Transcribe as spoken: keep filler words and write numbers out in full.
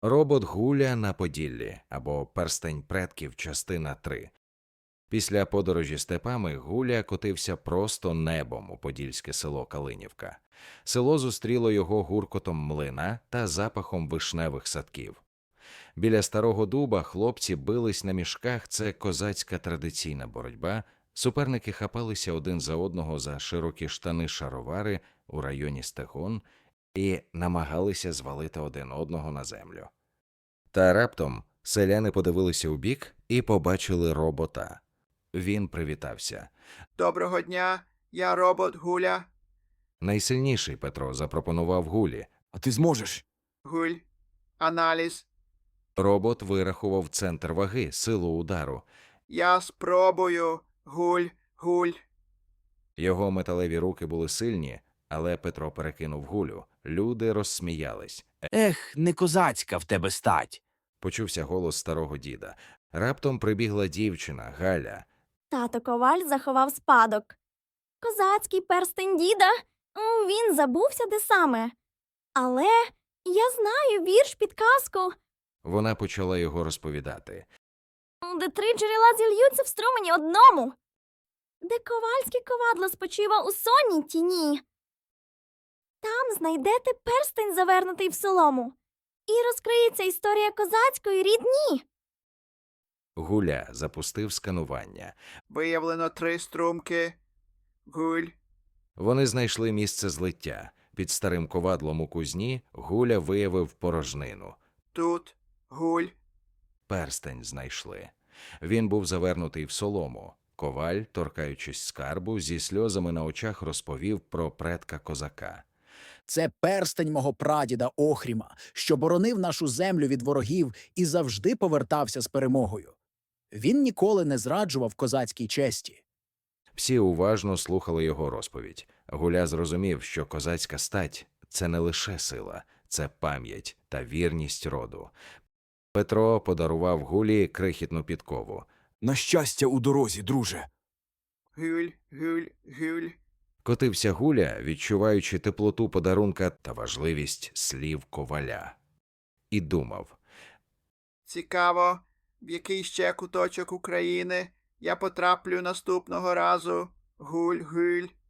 Робот Гуля на Поділлі або Перстень предків, частина три. Після подорожі степами Гуля котився просто небом у подільське село Калинівка. Село зустріло його гуркотом млина та запахом вишневих садків. Біля старого дуба хлопці бились на мішках, це козацька традиційна боротьба. Суперники хапалися один за одного за широкі штани-шаровари у районі стегон і намагалися звалити один одного на землю. Та раптом селяни подивилися у бік і побачили робота. Він привітався. Доброго дня, я робот Гуля. Найсильніший Петро запропонував Гулі. А ти зможеш? Гуль. Аналіз. Робот вирахував центр ваги, силу удару. Я спробую. Гуль, гуль. Його металеві руки були сильні, але Петро перекинув Гулю. Люди розсміялись. Ех, не козацька в тебе стать. Почувся голос старого діда. Раптом прибігла дівчина, Галя. Тато Коваль заховав спадок. Козацький перстень діда? М, Він забувся де саме. Але я знаю вірш підказку, Вона почала його розповідати. де три джерела зільються в струмені одному, де ковальське ковадло спочива у сонній тіні. Там знайдете перстень, завернутий в солому, і розкриється історія козацької рідні. Гуля запустив сканування. Виявлено три струмки. Гуль. Вони знайшли місце злиття. Під старим ковадлом у кузні Гуля виявив порожнину. Тут. Гуль. Перстень знайшли. Він був завернутий в солому. Коваль, торкаючись скарбу, зі сльозами на очах розповів про предка козака. Це перстень мого прадіда Охріма, що боронив нашу землю від ворогів і завжди повертався з перемогою. Він ніколи не зраджував козацькій честі. Всі уважно слухали його розповідь. Гуля зрозумів, що козацька стать – це не лише сила, це пам'ять та вірність роду. Петро подарував Гулі крихітну підкову. На щастя у дорозі, друже. Гуль, гуль, гуль. Котився Гуля, відчуваючи теплоту подарунка та важливість слів коваля. І думав. Цікаво, в який ще куточок України я потраплю наступного разу. Гуль, гуль.